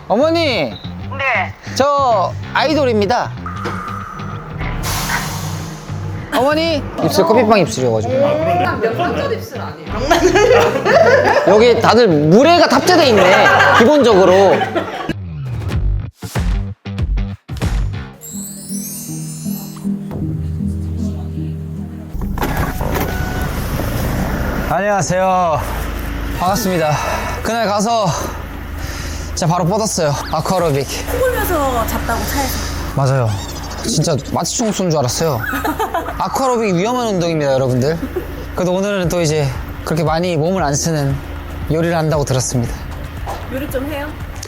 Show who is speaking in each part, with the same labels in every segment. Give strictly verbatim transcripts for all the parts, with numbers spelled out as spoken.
Speaker 1: 어머니!
Speaker 2: 네.
Speaker 1: 저 아이돌입니다. 어머니! 입술 커피빵 입술이어가지고.
Speaker 3: 명란젓 입술 아니에요?
Speaker 1: 여기 다들 물회가 탑재돼 있네, 기본적으로. 안녕하세요. 반갑습니다. 그날 가서 진짜 바로 뻗었어요. 아쿠아로빅.
Speaker 3: 코 골면서 잤다고 차에서.
Speaker 1: 맞아요. 진짜 마취총 쏜 줄 알았어요. 아쿠아로빅 위험한 운동입니다, 여러분들. 그래도 오늘은 또 이제 그렇게 많이 몸을 안 쓰는 요리를 한다고 들었습니다.
Speaker 3: 요리 좀 해요?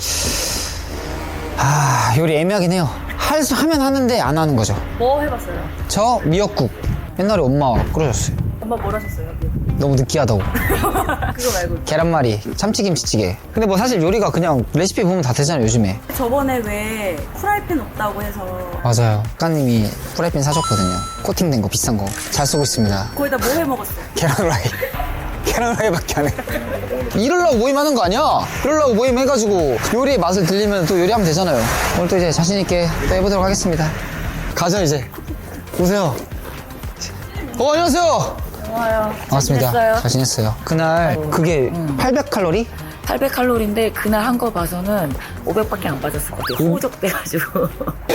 Speaker 1: 아, 요리 애매하긴 해요. 할 수 하면 하는데 안 하는 거죠.
Speaker 3: 뭐 해봤어요?
Speaker 1: 저 미역국 옛날에 엄마가 끓여줬어요.
Speaker 3: 엄마 뭘 하셨어요?
Speaker 1: 너무 느끼하다고.
Speaker 3: 그거 말고.
Speaker 1: 계란말이, 참치김치찌개. 근데 뭐 사실 요리가 그냥 레시피 보면 다 되잖아요, 요즘에.
Speaker 3: 저번에 왜 프라이팬 없다고 해서
Speaker 1: 맞아요. 작가님이 프라이팬 사줬거든요. 코팅된 거, 비싼 거. 잘 쓰고 있습니다.
Speaker 3: 거기다 뭐 해 먹었어요?
Speaker 1: 계란 후라이. 계란 후라이밖에 안 해. 이러려고 모임하는 거 아니야? 그러려고 모임 해가지고 요리의 맛을 들리면 또 요리하면 되잖아요. 오늘 또 이제 자신있게 또 해보도록 하겠습니다. 가자, 이제. 오세요. 어, 안녕하세요.
Speaker 3: 좋아요.
Speaker 1: 반갑습니다.
Speaker 3: 됐어요?
Speaker 1: 잘 지냈어요. 그날 그게 팔백 칼로리?
Speaker 4: 팔백 칼로리인데 그날 한 거 봐서는 오백밖에 안 빠졌었거든요. 호적돼가지고.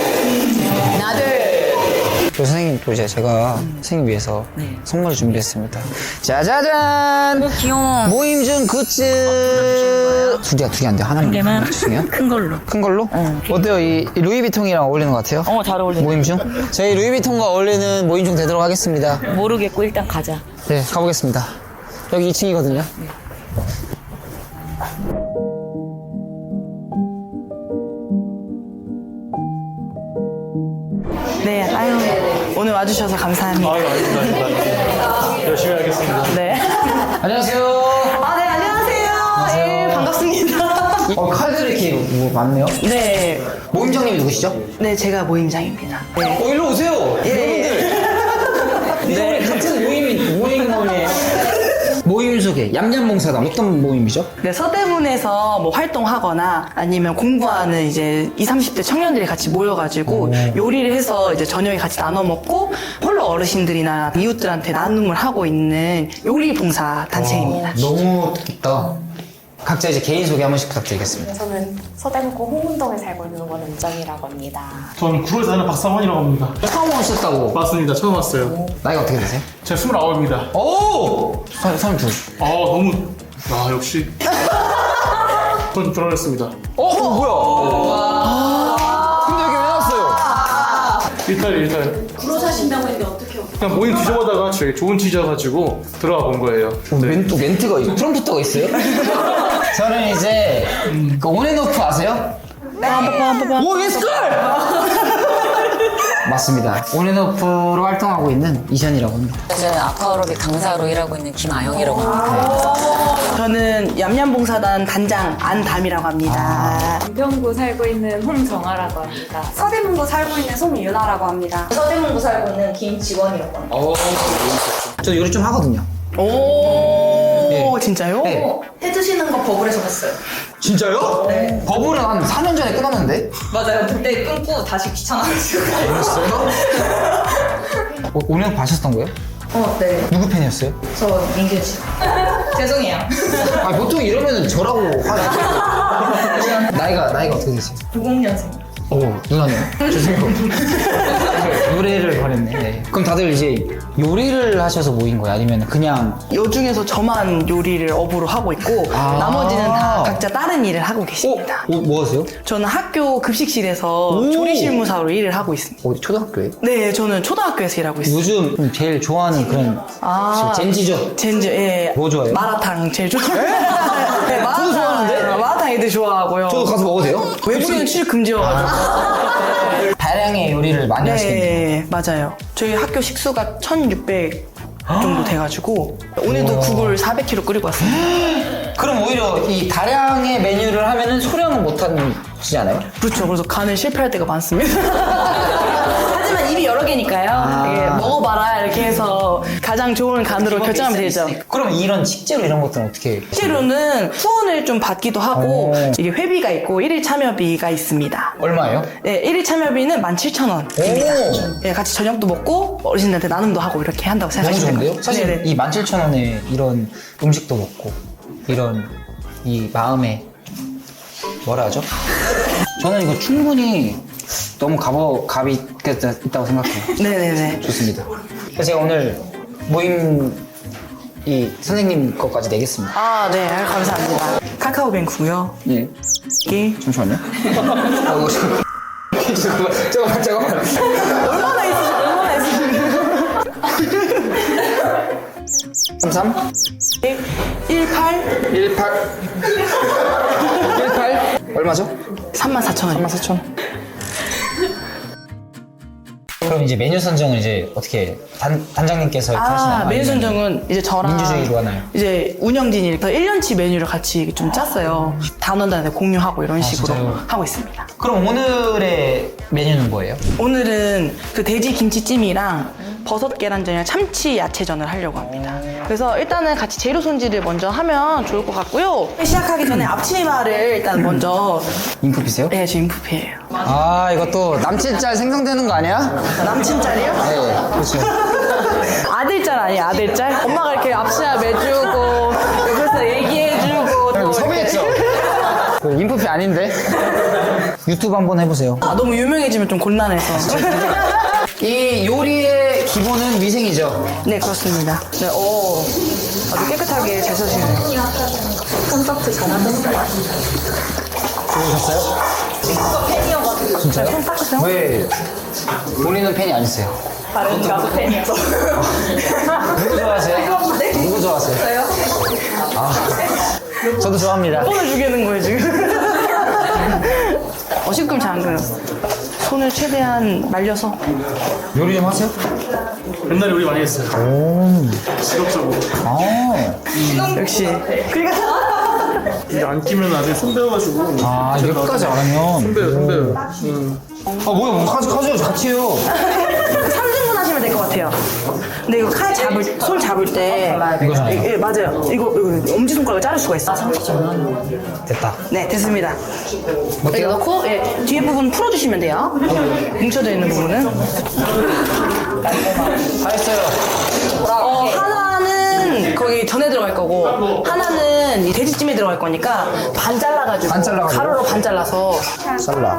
Speaker 1: 또 선생님 또 이제 제가 선생님 위해서
Speaker 4: 네.
Speaker 1: 선물을 준비했습니다. 짜자잔!
Speaker 4: 오, 귀여워.
Speaker 1: 모임 중 굿즈 두 개, 두 개 안 돼요. 하나만.
Speaker 4: 한 개만
Speaker 1: 죄송해요.
Speaker 4: 큰 걸로.
Speaker 1: 큰 걸로?
Speaker 4: 응.
Speaker 1: 어때요? 이, 이 루이비통이랑 어울리는 것 같아요?
Speaker 4: 어, 잘 어울리네.
Speaker 1: 모임 중? 저희 루이비통과 어울리는 모임 중 되도록 하겠습니다.
Speaker 4: 모르겠고 일단 가자.
Speaker 1: 네, 가보겠습니다. 여기 이 층이거든요.
Speaker 5: 네, 아유, 오늘 와주셔서 감사합니다.
Speaker 6: 아유, 아닙니다, 아닙니다. 열심히 하겠습니다.
Speaker 5: 네.
Speaker 1: 안녕하세요.
Speaker 5: 아, 네, 안녕하세요. 예, 반갑습니다.
Speaker 1: 어, 칼들이 이렇게 뭐 많네요.
Speaker 5: 네,
Speaker 1: 모임장님이 누구시죠?
Speaker 5: 네, 제가 모임장입니다. 네.
Speaker 1: 어, 일로 오세요.
Speaker 5: 예.
Speaker 1: 여러분들. 네. 우리 같은 모임이, 모임이에요. 모임 소개. 얌얌봉사단. 어떤 모임이죠?
Speaker 5: 네, 서대문에서 뭐 활동하거나 아니면 공부하는 이제 이십, 삼십 대 청년들이 같이 모여가지고 요리를 해서 이제 저녁에 같이 나눠 먹고 홀로 어르신들이나 이웃들한테 나눔을 하고 있는 요리 봉사 단체입니다.
Speaker 1: 너무 뜻깊다. 각자 이제 개인 소개 한 번씩 부탁드리겠습니다.
Speaker 7: 저는 서대문구 홍문동에 살고 있는 원은정이라고 합니다.
Speaker 6: 전 구로에 사는 박상원이라고 합니다.
Speaker 1: 처음 오셨다고.
Speaker 6: 맞습니다. 처음 왔어요.
Speaker 1: 나이가 어떻게 되세요?
Speaker 6: 제가 스물아홉입니다.
Speaker 1: 오! 서, 서른둘.
Speaker 6: 아, 너무, 아, 역시. 전 결혼했습니다.
Speaker 1: 어? 어, 뭐야? 근데 여기 왜 나왔어요?
Speaker 6: 일탈, 일탈.
Speaker 3: 구로 사신다고 했는데 어떻게
Speaker 6: 그냥 모임 뒤져보다가 저희 좋은 취지여가지고 들어가 본 거예요.
Speaker 1: 어, 멘트, 멘트가, 있- 프롬프터가 있어요? 저는 이제, 그 온앤오프 아세요? 오, 예스걸! 맞습니다. 온앤오프로 활동하고 있는 이션이라고 합니다.
Speaker 4: 저는 아쿠아로빅 강사로 일하고 있는 김아영이라고 합니다.
Speaker 5: 저는 얌얌봉사단 단장 안담이라고 합니다.
Speaker 7: 은평구 살고 있는 홍정아라고 합니다. 서대문구 살고 있는 송유나라고 합니다.
Speaker 3: 서대문구 살고 있는 김지원이라고 합니다.
Speaker 1: 어, 저 요리 좀 하거든요.
Speaker 5: 오,
Speaker 1: 네.
Speaker 5: 진짜요?
Speaker 1: 네.
Speaker 3: 해주시는 거 버블에서 샀어요.
Speaker 1: 진짜요? 네. 버블은 한 사 년 전에 끊었는데?
Speaker 3: 맞아요. 그때 끊고 다시 귀찮아가지고.
Speaker 1: 그랬어요? 어, 온앤오프 하셨던 거예요?
Speaker 3: 어, 네.
Speaker 1: 누구 팬이었어요?
Speaker 3: 저 민규 씨. 죄송해요.
Speaker 1: 아 보통 이러면은 저라고 하죠. 나이가 나이가 어떻게 되세요?
Speaker 3: 구십 년생.
Speaker 1: 오 누나네요. 죄송해요. 노래를 버렸네. 네. 그럼 다들 이제 요리를 하셔서 모인 거예요? 아니면 그냥
Speaker 5: 요 중에서 저만 요리를 업으로 하고 있고
Speaker 1: 아.
Speaker 5: 나머지는 다 각자 다른 일을 하고 계십니다.
Speaker 1: 어, 뭐 하세요?
Speaker 5: 저는 학교 급식실에서
Speaker 1: 오.
Speaker 5: 조리실무사로 일을 하고 있습니다.
Speaker 1: 어디 초등학교에?
Speaker 5: 네, 저는 초등학교에서 일하고 있어요.
Speaker 1: 요즘 제일 좋아하는 그런
Speaker 5: 아.
Speaker 1: 지금 젠지죠?
Speaker 5: 젠지, 예.
Speaker 1: 뭐 좋아해요?
Speaker 5: 마라탕 제일 좋아해요. 네, 마라탕.
Speaker 1: 저도 좋아하는데?
Speaker 5: 마라탕 애들 좋아하고요.
Speaker 1: 저도 가서 먹어도 돼요?
Speaker 5: 외부인 출입 금지여가지고.
Speaker 1: 다량의 요리를 많이 하시겠네요.
Speaker 5: 네, 맞아요. 저희 학교 식수가 천육백 정도 돼가지고 오늘도 국을 사백 킬로그램 끓이고 왔습니다.
Speaker 1: 그럼 오히려 이 다량의 메뉴를 하면은 소량은 못 하시지 않아요?
Speaker 5: 그렇죠. 그래서 간을 실패할 때가 많습니다. 하지만 입이 여러 개니까요.
Speaker 1: 아.
Speaker 5: 예, 먹어봐라 이렇게 해서 간 가장 좋은 간으로 결정하면 되죠.
Speaker 1: 그럼 이런 식재료 이런 것들은 어떻게?
Speaker 5: 실제로는 후원을 좀 받기도 하고
Speaker 1: 오.
Speaker 5: 이게 회비가 있고 일 일 참여비가 있습니다.
Speaker 1: 얼마예요?
Speaker 5: 네, 일 일 참여비는 만 칠천 원입니다.
Speaker 1: 오.
Speaker 5: 네, 같이 저녁도 먹고 어르신들한테 나눔도 하고 이렇게 한다고
Speaker 1: 너무
Speaker 5: 생각하시면
Speaker 1: 좋은데요?
Speaker 5: 돼요.
Speaker 1: 사실
Speaker 5: 네네.
Speaker 1: 이 만 칠천 원에 이런 음식도 먹고 이런 이 마음에 뭐라 하죠? 저는 이거 충분히 너무 값어, 값이 있다고 생각해요.
Speaker 5: 네네네.
Speaker 1: 좋습니다. 그래서 제가 오늘 모임 이 선생님 것까지 내겠습니다.
Speaker 5: 아, 네, 아유, 감사합니다. 카카오뱅크고요.
Speaker 1: 예.
Speaker 5: 이게
Speaker 1: 잠시만요. 어, 이거 잠깐만, 잠깐만, 잠깐만.
Speaker 5: 얼마나 있으시, 얼마나 있으시.
Speaker 1: 삼삼
Speaker 5: 일팔
Speaker 1: 일팔 일팔 얼마죠?
Speaker 5: 삼만 사천 원.
Speaker 1: 삼만 사천 원. 그럼 이제 메뉴 선정은 이제 어떻게 단, 단장님께서 이렇게 하시나요?
Speaker 5: 아, 메뉴
Speaker 1: 아니면
Speaker 5: 선정은 이제 저랑
Speaker 1: 민주주의로 하나요?
Speaker 5: 이제 운영진이 일 년치 메뉴를 같이 좀 짰어요. 단원들한테 공유하고 이런 식으로
Speaker 1: 진짜요?
Speaker 5: 하고 있습니다.
Speaker 1: 그럼 오늘의 메뉴는 뭐예요?
Speaker 5: 오늘은 그 돼지 김치찜이랑 버섯 계란전이랑 참치 야채전을 하려고 합니다. 그래서 일단은 같이 재료 손질을 먼저 하면 좋을 것 같고요. 시작하기 전에 앞치마를 일단 먼저
Speaker 1: 인프피세요?
Speaker 5: 네, 저 인프피예요.
Speaker 1: 아 이것도 남친 짤 생성되는 거 아니야?
Speaker 5: 남친 짤이요?
Speaker 1: 네 그렇죠.
Speaker 5: 아들 짤 아니에요, 아들 짤? 엄마가 이렇게 앞치마 매주고 옆에서 얘기해주고 또
Speaker 1: 섭외했죠? 그 인프피 아닌데? 유튜브 한번 해보세요.
Speaker 5: 아, 너무 유명해지면 좀 곤란해서.
Speaker 1: 이 요리의 기본은 위생이죠.
Speaker 5: 네, 그렇습니다. 네, 오, 아주 깨끗하게 잘 써주시네요.
Speaker 1: 좋으셨어요? 진짜요?
Speaker 5: 손 닦으세요?
Speaker 1: 왜 본인은 팬이 아니세요?
Speaker 3: 다른 가수 팬이어서.
Speaker 1: 누구 좋아하세요? 누구 좋아하세요?
Speaker 3: 저요?
Speaker 1: 아, 저도 좋아합니다.
Speaker 5: 손을 죽이는 거예요, 지금. 어, 식금 잘 안 그래요. 손을 최대한 말려서.
Speaker 1: 요리 좀 하세요?
Speaker 6: 옛날에 우리 많이 했어요.
Speaker 1: 오,
Speaker 6: 직업적으로.
Speaker 1: 아,
Speaker 5: 역시.
Speaker 6: 이게 안 끼면 나중에 손 배워가지고.
Speaker 1: 아 이게 끝까지 안 하면.
Speaker 6: 손 배워, 손 배워. 응.
Speaker 1: 아 뭐야, 뭐 같이 가져요, 같이 해요.
Speaker 5: 삼 등분 하시면 될 것 같아요. 근데 이거 칼 잡을, 손 잡을 때.
Speaker 1: 이거잖아요.
Speaker 5: 예, 맞아요. 이거, 이거 엄지손가락을 자를 수가 있어.
Speaker 1: 됐다.
Speaker 5: 네, 됐습니다. 여기
Speaker 1: 먹게요?
Speaker 5: 넣고, 예, 뒤에 부분 풀어주시면 돼요. 뭉쳐져 있는 부분은.
Speaker 1: 다 했어요.
Speaker 5: 어, 하나는 거기 전에 들어갈 거고, 하나는 이 돼지찜에 들어갈 거니까 반 잘라가지고.
Speaker 1: 반 잘라가지고?
Speaker 5: 가로로 반 잘라서.
Speaker 1: 잘라.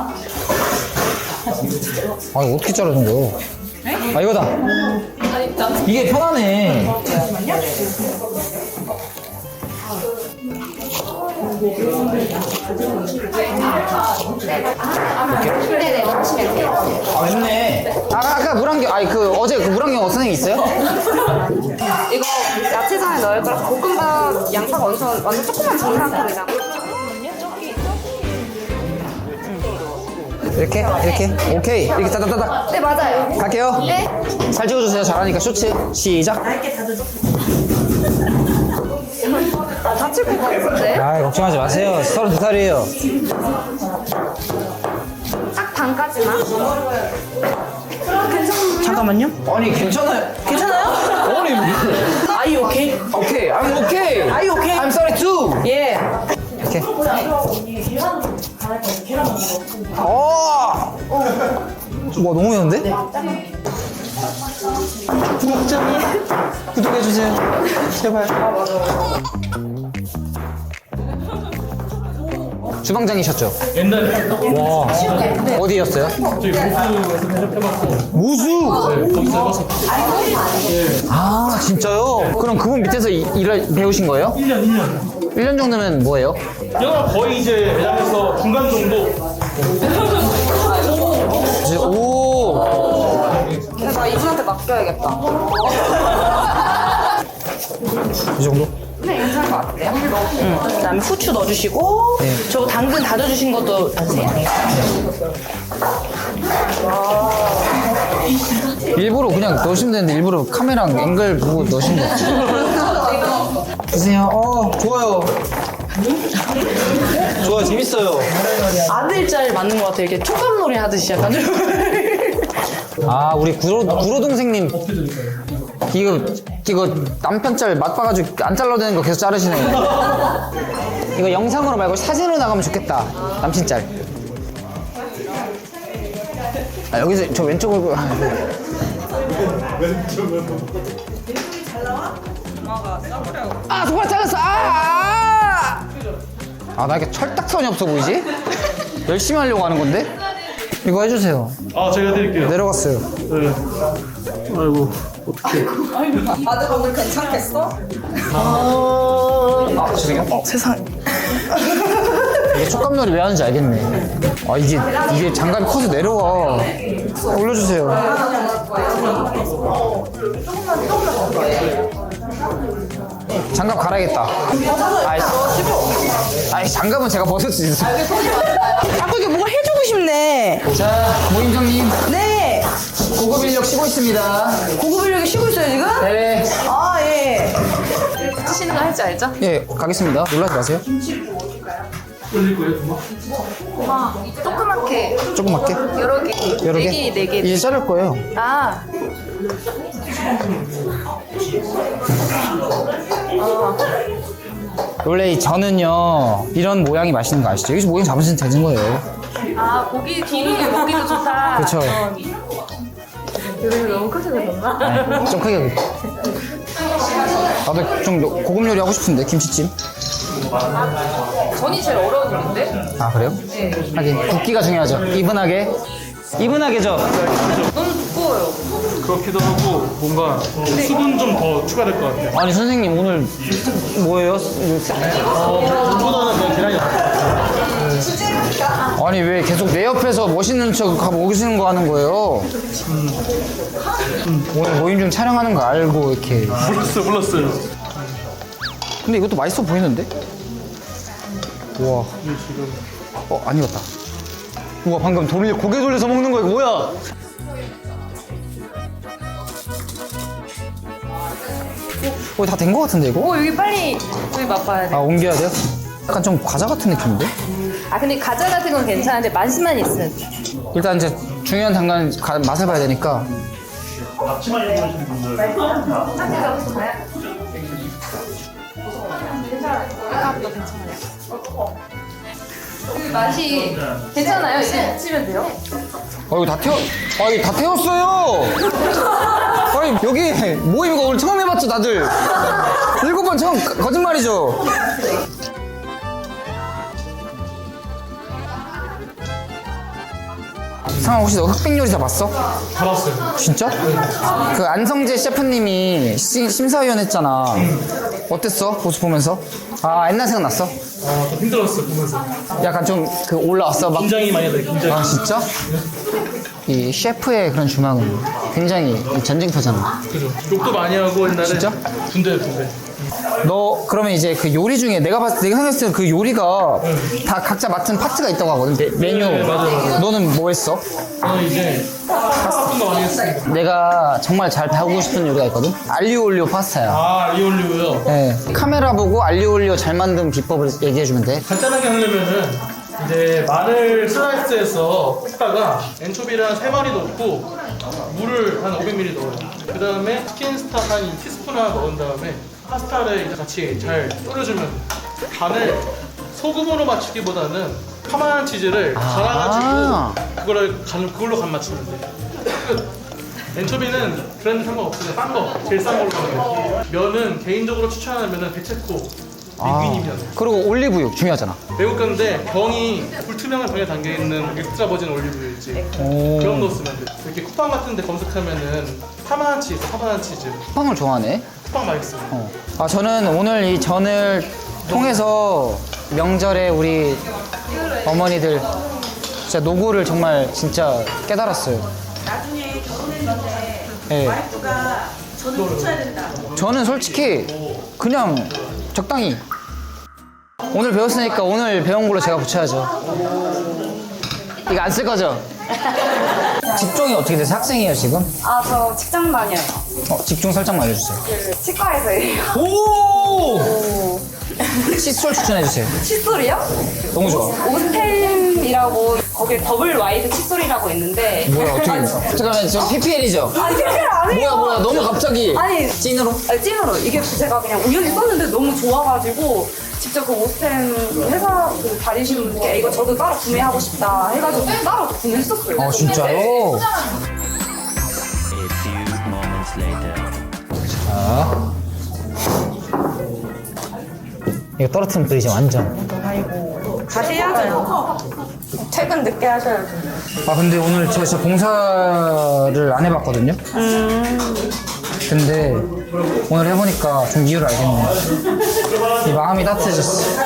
Speaker 1: 아 이거 어떻게 자르는 거요? 아 이거다. 이게 편하네.
Speaker 7: 네네, 맞추면 돼요.
Speaker 1: 아 좋네. 아, 아까 물안경, 아니 그 어제 그 물안경 선생님 있어요?
Speaker 7: 이거 야채전에 넣을 거라서 볶음밥 양파가 완전, 완전 조금만 지은 상태로 그냥.
Speaker 1: 이렇게 이렇게 오케이 이렇게 따다다닥
Speaker 7: 네, 맞아요.
Speaker 1: 갈게요.
Speaker 7: 네.
Speaker 1: 잘 찍어주세요. 잘하니까 쇼츠 시작.
Speaker 7: 아, 다칠 것 같은데?
Speaker 1: 아 걱정하지 마세요. 서른두 살이에요.
Speaker 7: 딱 반까지만.
Speaker 5: 잠깐만요.
Speaker 1: 아니 괜찮아요.
Speaker 5: 괜찮아요?
Speaker 1: 아니
Speaker 5: Are you okay?
Speaker 1: 오케이 I'm okay.
Speaker 5: Are you okay?
Speaker 1: I'm sorry too.
Speaker 5: 예.
Speaker 1: 이렇게. 어. 와 너무 매운데? 구독자님 구독해주세요. 제발. 주방장이셨죠?
Speaker 6: 옛날에
Speaker 1: 와 어디였어요?
Speaker 6: 저희 모수에서 대접해봤고.
Speaker 1: 모수.
Speaker 6: 네, 거기서 해봤어.
Speaker 1: 아 진짜요? 그럼 그분 밑에서 이- 일을 배우신 거예요?
Speaker 6: 일 년, 일 년.
Speaker 1: 일 년 정도면 뭐예요?
Speaker 6: 영화 거의 이제 매장에서 중간 정도.
Speaker 1: 이제- 오.
Speaker 7: 나 이분한테 맡겨야겠다.
Speaker 1: 이 정도?
Speaker 7: 네, 괜찮을 것 같은데요?
Speaker 5: 응. 그다음에 후추 넣어주시고,
Speaker 1: 네.
Speaker 5: 저거 당근 다져주신 것도 넣으세요.
Speaker 1: 일부러 그냥 넣으시면 되는데 일부러 카메라랑 앵글 보고 넣으신 거 같아요. 드세요. 어 좋아요. 좋아요. 재밌어요.
Speaker 5: 아들 짤 맞는 것 같아요. 이렇게 촉감놀이 하듯이 약간 좀.
Speaker 1: 아 우리 구로 구로 동생님
Speaker 6: 어떻게 드릴까요?
Speaker 1: 이거 이거 남편 짤 맛봐가지고 안 잘라도 되는 거 계속 자르시네. 이거 영상으로 말고 사진으로 나가면 좋겠다. 남친 짤. 아 여기서 저 왼쪽으로. 아 손가락 잘랐어. 아! 아 나 이렇게 철딱선이 없어 보이지? 열심히 하려고 하는 건데? 이거 해주세요.
Speaker 6: 아 제가 드릴게요.
Speaker 1: 내려갔어요.
Speaker 6: 네. 아이고 어떡해.
Speaker 3: 다들 오늘 괜찮겠어?
Speaker 1: 아 죄송해요. 어
Speaker 5: 세상에.
Speaker 1: 이게 촉감놀이 왜 하는지 알겠네. 아 이게 이게 장갑이 커서 내려와. 올려주세요. 장갑 갈아야겠다. 아이, 아이 장갑은 제가 벗을 수 있어요.
Speaker 5: 자꾸 이게 뭔가 해주고 싶네.
Speaker 1: 자 모임장님
Speaker 5: 네.
Speaker 1: 고급 인력 쉬고 있습니다.
Speaker 5: 고급 인력이 쉬고 있어요 지금?
Speaker 1: 네.
Speaker 5: 아 예.
Speaker 3: 치시는 거 할지 알죠?
Speaker 1: 예 가겠습니다. 놀라지 마세요.
Speaker 6: 올릴 거예요, 도마?
Speaker 3: 조그맣게
Speaker 1: 조금밖에.
Speaker 3: 여러 개.
Speaker 1: 여러 개.
Speaker 3: 네 개, 네 개.
Speaker 1: 이제 자를 거예요.
Speaker 3: 아.
Speaker 1: 원래 이 전은요 이런 모양이 맛있는 거 아시죠? 여기서 모양 잡으시면 되는 거예요.
Speaker 3: 아, 고기 기름에 먹기도 좋다.
Speaker 1: 그렇죠.
Speaker 3: 이거 너무 크게 그렸나?
Speaker 1: 좀 크게. 그려. 나도 좀 고급 요리 하고 싶은데 김치찜.
Speaker 3: 전이 제일 어려운 일인데?
Speaker 1: 아 그래요? 네. 하긴 굵기가 중요하죠. 이분하게. 이분하게죠.
Speaker 3: 너무 두꺼워요.
Speaker 6: 그렇기도 하고 뭔가 수분 좀 더 추가될 것 같아요.
Speaker 1: 아니 선생님 오늘 뭐예요?
Speaker 6: 어, 보다는 그냥 계란이 낫다.
Speaker 1: 아니 왜 계속 내 옆에서 멋있는 척 하고 오시는 거 하는 거예요? 오늘 모임 중 촬영하는 거 알고 이렇게.
Speaker 6: 몰랐어요, 몰랐어요.
Speaker 1: 근데 이것도 맛있어 보이는데? 우와. 어, 안 익었다. 우와, 방금 돌리, 고개 돌려서 먹는 거 이거 뭐야? 어, 다 된 거 같은데 이거?
Speaker 3: 오, 여기 빨리 여기 맛봐야 돼.
Speaker 1: 아, 옮겨야 돼요? 약간 좀 과자 같은 느낌인데?
Speaker 3: 아, 근데 과자 같은 건 괜찮은데 맛만 있으면.
Speaker 1: 일단 이제 중요한 장관 가- 맛을 봐야 되니까.
Speaker 3: 그 맛이 괜찮아요? 이제 치면 돼요?
Speaker 1: 어, 이거 다 태워, 아, 이거 다 태웠어요! 아니, 여기 모임 이거 오늘 처음 해봤죠, 다들? 일곱 번 처음, 거- 거짓말이죠? 상아, 혹시 너 흑백 요리사 봤어?
Speaker 6: 다 봤어요.
Speaker 1: 진짜? 그 안성재 셰프님이 시- 심사위원 했잖아. 어땠어? 모습 보면서? 아, 옛날 생각났어?
Speaker 6: 아, 좀 힘들었어요, 보면서.
Speaker 1: 약간 좀 그 올라왔어? 막.
Speaker 6: 긴장이 많이 돼요, 긴장이.
Speaker 1: 아, 진짜? 이 셰프의 그런 주막은 굉장히 전쟁터잖아.
Speaker 6: 그죠. 욕도 많이 하고 옛날에.
Speaker 1: 진짜?
Speaker 6: 군대, 군대.
Speaker 1: 너 그러면 이제 그 요리 중에 내가 봤을 때 내가 생각했을 때 그 요리가 다 각자 맡은 파트가 있다고 하거든. 메, 메뉴.
Speaker 6: 네, 맞아요, 맞아요.
Speaker 1: 너는 뭐 했어?
Speaker 6: 저는 이제 파스타 같은 거 많이 했습니다.
Speaker 1: 내가 정말 잘 배우고 싶은 요리가 있거든. 알리오 올리오 파스타야.
Speaker 6: 아, 리올리오요.
Speaker 1: 네. 카메라 보고 알리오 올리오 잘 만든 비법을 얘기해 주면 돼.
Speaker 6: 간단하게 하려면은 이제 마늘 슬라이스해서 볶다가 엔초비를 한 세 마리 넣고 물을 한 오백 밀리리터 넣어요. 그 다음에 치킨스타 한 이 티스푼 하나 넣은 다음에 파스타를 이제 같이 잘 졸여주면 돼요. 간을 소금으로 맞추기보다는 파마한 치즈를
Speaker 1: 아.
Speaker 6: 갈아가지고 그거를 간, 그걸로 간 맞추면 돼요. 끝. 엔초비는 브랜드 상관없어요. 싼 거, 제일 싼 걸로 가면 돼요. 면은 개인적으로 추천하는 면은 베체코 미귀니면
Speaker 1: 그리고 올리브유 중요하잖아.
Speaker 6: 외국 건데 병이 불투명한 병에 담겨있는 엑스트라 버진 올리브유 있지.
Speaker 1: 오.
Speaker 6: 그런 거 쓰면 돼. 이렇게 쿠팡 같은 데 검색하면은 파마한 치즈, 파마한 치즈.
Speaker 1: 쿠팡을 좋아하네.
Speaker 6: 쿠팡 맛있어.
Speaker 1: 어. 아 저는 오늘 이 전을 통해서 명절에 우리 어머니들 진짜 노고를 정말 진짜 깨달았어요.
Speaker 2: 나중에 결혼했는데
Speaker 1: 네.
Speaker 2: 와이프가 저는 붙여야 된다.
Speaker 1: 저는 솔직히 그냥 적당히 오늘 배웠으니까 오늘 배운 걸로 제가 붙여야죠. 이거 안 쓸 거죠? 직종이 어떻게 되세요? 학생이에요 지금?
Speaker 7: 아, 저 직장 다녀요.
Speaker 1: 어, 직종 살짝만 알려주세요.
Speaker 7: 그 치과에서 일해요.
Speaker 1: 오! 칫솔 추천해주세요.
Speaker 7: 칫솔이요?
Speaker 1: 너무 좋아.
Speaker 7: 오스템이라고 거기 더블 와이드 칫솔이라고 있는데
Speaker 1: 뭐야 어떻게 잠깐만 저 피피엘이죠?
Speaker 7: 아니 피피엘 아니에요.
Speaker 1: 뭐야 뭐야 너무 갑자기
Speaker 7: 아니
Speaker 1: 찐으로?
Speaker 7: 아니, 찐으로 이게 제가 그냥 우연히 썼는데 너무 좋아가지고 직접 그 오스템 회사 그 다니시는 분께 이거 저도 따로 구매하고 싶다 해가지고 따로 구매했었어요.
Speaker 1: 어 진짜요?
Speaker 8: A few moments later.
Speaker 1: 자 이거 떨어뜨리면 또 이제 완전
Speaker 7: 다시 해야죠. 퇴근 늦게 하셔야죠.
Speaker 1: 아 근데 오늘 제가 진짜 봉사를 안 해봤거든요. 근데 오늘 해보니까 좀 이유를 알겠네. 이 마음이 따뜻해졌어.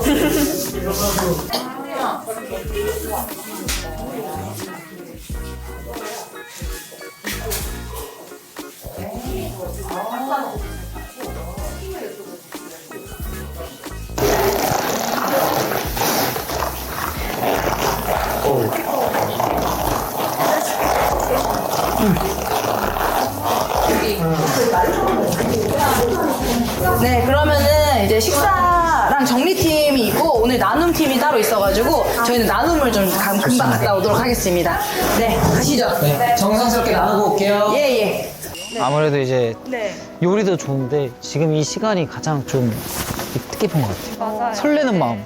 Speaker 5: 네, 그러면은 이제 식사랑 정리팀이 있고 오늘 나눔팀이 따로 있어가지고 저희는 나눔을 좀 감- 금방 갔다 오도록 하겠습니다. 네, 가시죠.
Speaker 1: 네, 정성스럽게 나누고 올게요.
Speaker 5: 예, 예.
Speaker 1: 아무래도 이제
Speaker 5: 네.
Speaker 1: 요리도 좋은데 지금 이 시간이 가장 좀 뜻깊은 것 같아요. 맞아요. 설레는 마음.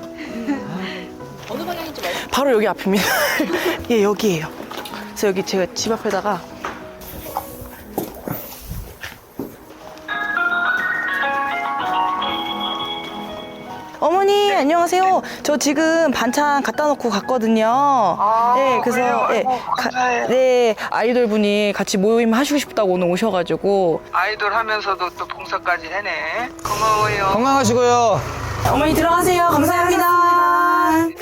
Speaker 5: 바로 여기 앞입니다. 예, 여기에요. 그래서 여기 제가 집 앞에다가 어머니 안녕하세요. 저 지금 반찬 갖다 놓고 갔거든요. 네, 그래서 네, 가- 네 아이돌 분이 같이 모임 하시고 싶다고 오늘 오셔가지고
Speaker 9: 아이돌 하면서도 또 봉사까지 해네. 고마워요.
Speaker 1: 건강하시고요.
Speaker 5: 어머니 들어가세요. 감사합니다.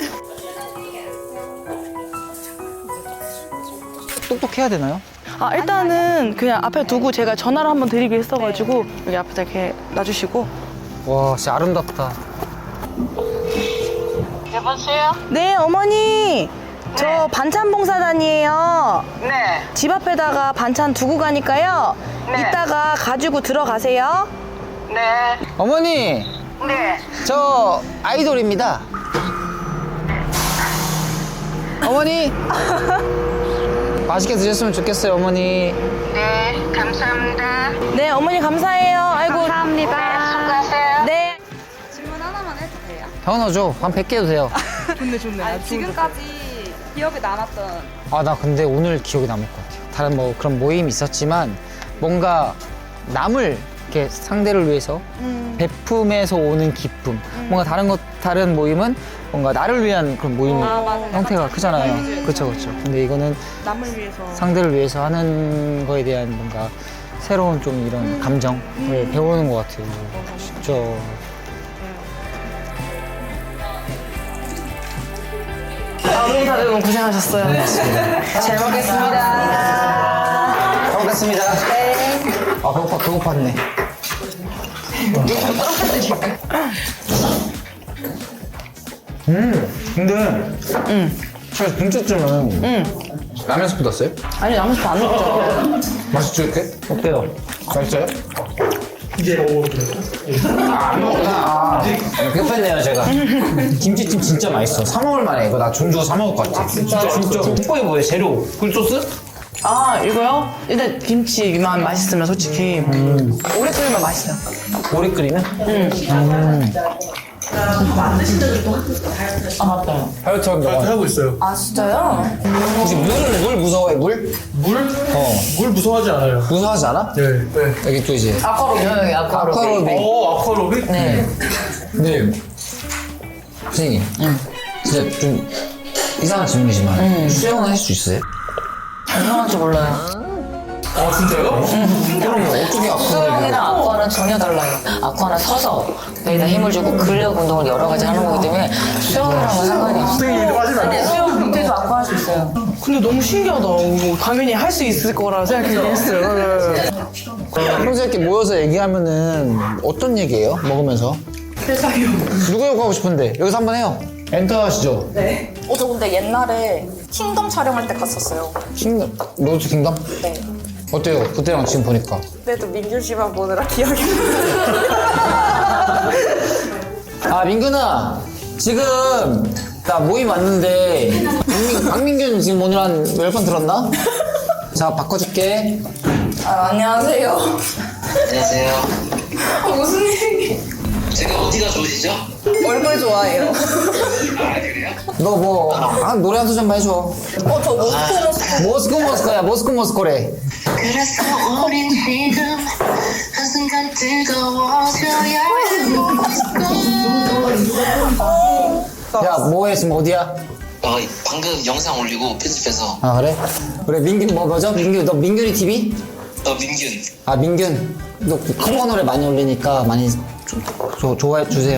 Speaker 1: 똑똑해야 되나요?
Speaker 5: 아 일단은 그냥 앞에 두고 제가 전화를 한번 드리기로 했어가지고 여기 앞에다 이렇게 놔주시고.
Speaker 1: 와 진짜 아름답다.
Speaker 9: 여보세요?
Speaker 5: 네 어머니 저 반찬 봉사단이에요.
Speaker 9: 네.
Speaker 5: 집 앞에다가 반찬 두고 가니까요.
Speaker 9: 네.
Speaker 5: 이따가 가지고 들어가세요.
Speaker 9: 네.
Speaker 1: 어머니
Speaker 9: 네.
Speaker 1: 저 아이돌입니다. 어머니 맛있게 드셨으면 좋겠어요 어머니.
Speaker 9: 네. 감사합니다.
Speaker 5: 네 어머니 감사해요. 아이고
Speaker 9: 감사합니다. 수고하세요.
Speaker 5: 네.
Speaker 7: 질문 하나만 해도 돼요?
Speaker 1: 당연하죠. 한 백 개도 돼요.
Speaker 5: 좋네 좋네.
Speaker 7: 아니 지금까지 기억에 남았던
Speaker 1: 아 나 근데 오늘 기억에 남을 것 같아요. 다른 뭐 그런 모임이 있었지만 뭔가 남을 이렇게 상대를 위해서 베품에서 오는 기쁨. 뭔가 다른 것 다른 모임은 뭔가 나를 위한 그런 모임 형태가 크잖아요. 그렇죠 그렇죠. 근데 이거는
Speaker 5: 남을 위해서.
Speaker 1: 상대를 위해서 하는 거에 대한 뭔가 새로운 좀 이런 감정을 배우는 것 같아요. 진짜.
Speaker 5: 아, 오늘 다들 너무 고생하셨어요.
Speaker 1: 네, 맞습니다.
Speaker 5: 잘 먹겠습니다.
Speaker 1: 잘 먹겠습니다. 네. 아 배고파 배고팠네. 음 근데 음 제가 bun처쯤은 음 라면 스프 넣었어요?
Speaker 5: 아니 남은 안 먹죠.
Speaker 1: 맛있죠 이렇게? 어때요? 맛있어요?
Speaker 6: 이제 먹어볼게요.
Speaker 1: 안 먹구나. 아, 급했네요, 제가. 김치찜 진짜 맛있어. 사 먹을 만해. 이거 나 돈 주고 사 먹을 것 같아. 진짜? 진짜. 돋보이 뭐예요? 재료. 굴소스?
Speaker 5: 아 이거요? 일단 김치만 맛있으면 솔직히 오래 끓이면 맛있어요.
Speaker 1: 오래 끓이면?
Speaker 5: 응. 아 맞다.
Speaker 1: 다이어트 한다고.
Speaker 6: 하고 있어요.
Speaker 3: 아 진짜요?
Speaker 1: 혹시 물은, 물 무서워해, 물?
Speaker 6: 물?
Speaker 1: 어.
Speaker 6: 물 무서워하지 않아요.
Speaker 1: 무서워하지 않아?
Speaker 6: 네. 네.
Speaker 1: 여기 또 이제.
Speaker 5: 아까로요 여기 아까로.
Speaker 1: 아쿠아로빅.
Speaker 6: 어, 아쿠아로빅?
Speaker 1: 네. 근데, 선생님. 진짜 좀 이상한 질문이지만. 수영은 할 수 있어요?
Speaker 5: 유명한지 몰라요.
Speaker 6: 아, 진짜요?
Speaker 1: 그럼 어떻게 아쿠아로빅?
Speaker 4: 수영이랑 아쿠아는 전혀 달라요. 아쿠아는 서서 여기다 힘을 주고 근력 운동을 여러 가지 하는 거기 때문에 수영이랑은 상관이 없어요.
Speaker 6: 선생님 이름 하지 말고.
Speaker 4: 수영 밑에도 아쿠아 할 수 있어요.
Speaker 5: 근데 너무 신기하다. 뭐 당연히 할 수 있을 거라 생각하긴 했어요.
Speaker 1: 평소에 이렇게 모여서 얘기하면은 어떤 얘기예요? 먹으면서?
Speaker 5: 세상에.
Speaker 1: 누구 욕하고 싶은데? 여기서 한번 해요. 엔터 하시죠.
Speaker 10: 어, 저 근데 옛날에 킹덤 촬영할 때 갔었어요.
Speaker 1: 킹덤, 로드 킹덤?
Speaker 10: 네.
Speaker 1: 어때요? 그때랑 지금 보니까.
Speaker 10: 그때도 민규 씨만 보느라 기억이
Speaker 1: 아, 민근아. 지금 나 모임 왔는데 박민, 지금 오늘 한 열 번 들었나? 자, 바꿔줄게.
Speaker 10: 아, 안녕하세요.
Speaker 11: 안녕하세요.
Speaker 10: 어, 무슨 일이?
Speaker 11: 제가 어디가 좋으시죠?
Speaker 10: 얼굴 좋아해요.
Speaker 11: 아, 그래요?
Speaker 1: 너 뭐, 아, 노래 한 소절만 해줘.
Speaker 10: 어, 저 모스코 모스코.
Speaker 1: 모스코 모스코야, 모스코 모스코래.
Speaker 11: 그래서 우린 지금 한순간 뜨거워져야
Speaker 1: 야, 뭐해, 지금 어디야?
Speaker 11: 어, 방금 영상 올리고 편집해서.
Speaker 1: 아, 그래? 그래, 민균, 뭐, 뭐죠? 민균, 너 민균이 티비?
Speaker 11: 어, 민균.
Speaker 1: 아, 민균. 너 커버 노래 많이 올리니까 많이 좀, 조, 좋아해 주세요.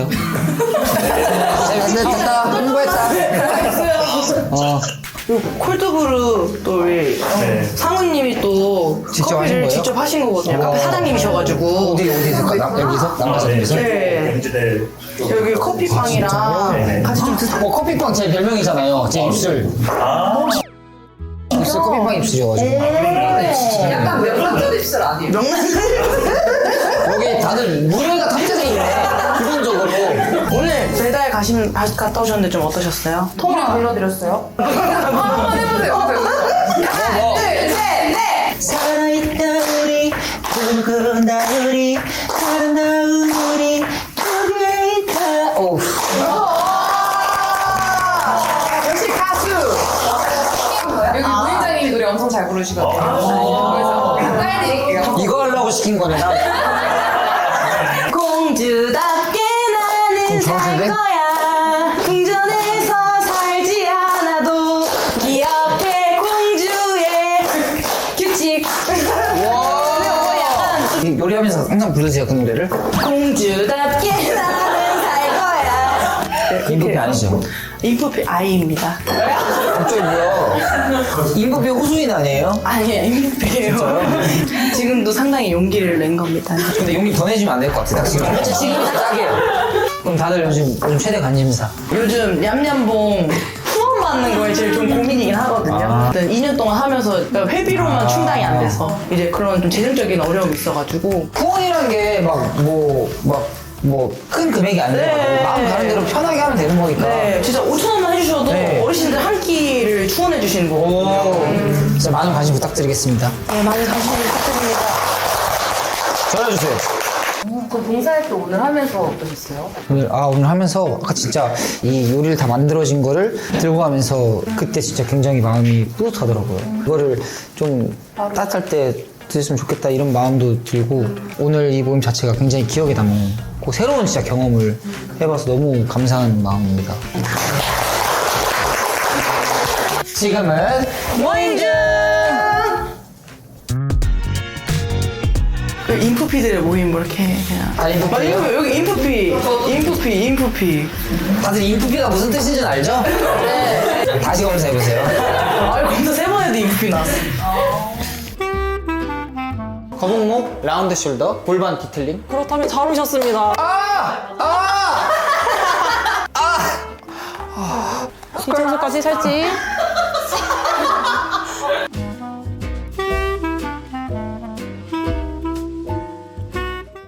Speaker 1: 됐다, 됐다. 홍보했다. 어.
Speaker 5: 그리고 콜드브루 또 우리 상우님이 또
Speaker 1: 직접 하신
Speaker 5: 커피를
Speaker 1: 거예요?
Speaker 5: 직접 하신 거거든요. 카페 사장님이셔가지고.
Speaker 1: 어디, 어디서? 남, 여기서? 남가사에서?
Speaker 5: 네. 여기 커피빵이랑 같이 좀 드세요.
Speaker 1: 뭐, 커피빵 제 별명이잖아요. 제 입술. 입술 커피빵 입술이어가지고.
Speaker 3: 약간 명란젓 입술 아니에요?
Speaker 1: 여기 다들 무례가 탑재돼 있네. 기본적으로.
Speaker 5: 오늘 배달 가신, 가- 갔다 오셨는데 좀 어떠셨어요?
Speaker 3: 통화 불러드렸어요? 한번 해보세요.
Speaker 1: 뭐?
Speaker 4: 살아있다 우리 꿈꾸다 우리 아름다운 우리 거기에 있다.
Speaker 1: 어우.
Speaker 3: 역시 가수! 여기 부인장님이 노래 엄청 잘 부르시거든요. 그래서 따해드릴게요.
Speaker 1: 이거 하려고 시킨 거네, 나.
Speaker 5: 공주답게 나는 살
Speaker 1: 좋아하시는데?
Speaker 5: 거야. 궁전에서 살지 않아도 이 앞에 공주의 규칙.
Speaker 1: 이 요리하면서 항상 부르세요, 그 노래를.
Speaker 5: 공주답게 나는 살 거야.
Speaker 1: 인프피 아니죠?
Speaker 5: 인프피 아이입니다.
Speaker 1: 갑자기 뭐야? 인프피 호수인 아니에요?
Speaker 5: 아니에요, 인프피예요. 지금도 상당히 용기를 낸 겁니다.
Speaker 1: 근데 용기 더 내주면 안 될 것 같아, 지금. 지금 딱이에요. 그럼 다들 요즘, 요즘 최대 관심사.
Speaker 5: 요즘 냠냠봉 후원 받는 거에 제일 좀 고민이긴 하거든요. 일단 이 년 동안 하면서 그러니까 회비로만 충당이 안 돼서 이제 그런 좀 재정적인 어려움이 있어가지고
Speaker 1: 후원이란 게 막, 뭐, 막, 뭐, 큰 금액이 아니라
Speaker 5: 네.
Speaker 1: 마음 가는 대로 편하게 하면 되는 거니까.
Speaker 5: 네, 진짜 오천 원만 해주셔도
Speaker 1: 네.
Speaker 5: 어르신들 한 끼를 추원해 주시는 거고.
Speaker 1: 오, 진짜 많은 관심 부탁드리겠습니다.
Speaker 5: 네, 많은 관심 부탁드립니다.
Speaker 1: 전화주세요.
Speaker 3: 그 봉사활동 오늘 하면서 어떠셨어요?
Speaker 1: 오늘, 아, 오늘 하면서 아까 진짜 이 요리를 다 만들어진 거를 들고 가면서 그때 진짜 굉장히 마음이 뿌듯하더라고요. 이거를 좀 따뜻할 때 드셨으면 좋겠다 이런 마음도 들고 오늘 이 모임 자체가 굉장히 기억에 남는 꼭 새로운 진짜 경험을 해봐서 너무 감사한 마음입니다. 지금은 모임 중!
Speaker 5: 그 인프피들의 모임 뭐 이렇게 그냥.
Speaker 1: 아, 인프피요?
Speaker 5: 아, 여기 인프피, 인프피, 인프피.
Speaker 1: 다들 인프피가 무슨 뜻인지 알죠? 네. 다시 검사해보세요.
Speaker 5: 아, 검사 세 번 해도 인프피 나왔어.
Speaker 1: 거북목, 라운드 숄더, 골반 디틀링.
Speaker 10: 그렇다면 잘 오셨습니다.
Speaker 1: 아! 아!
Speaker 10: 신천수까지 살찌.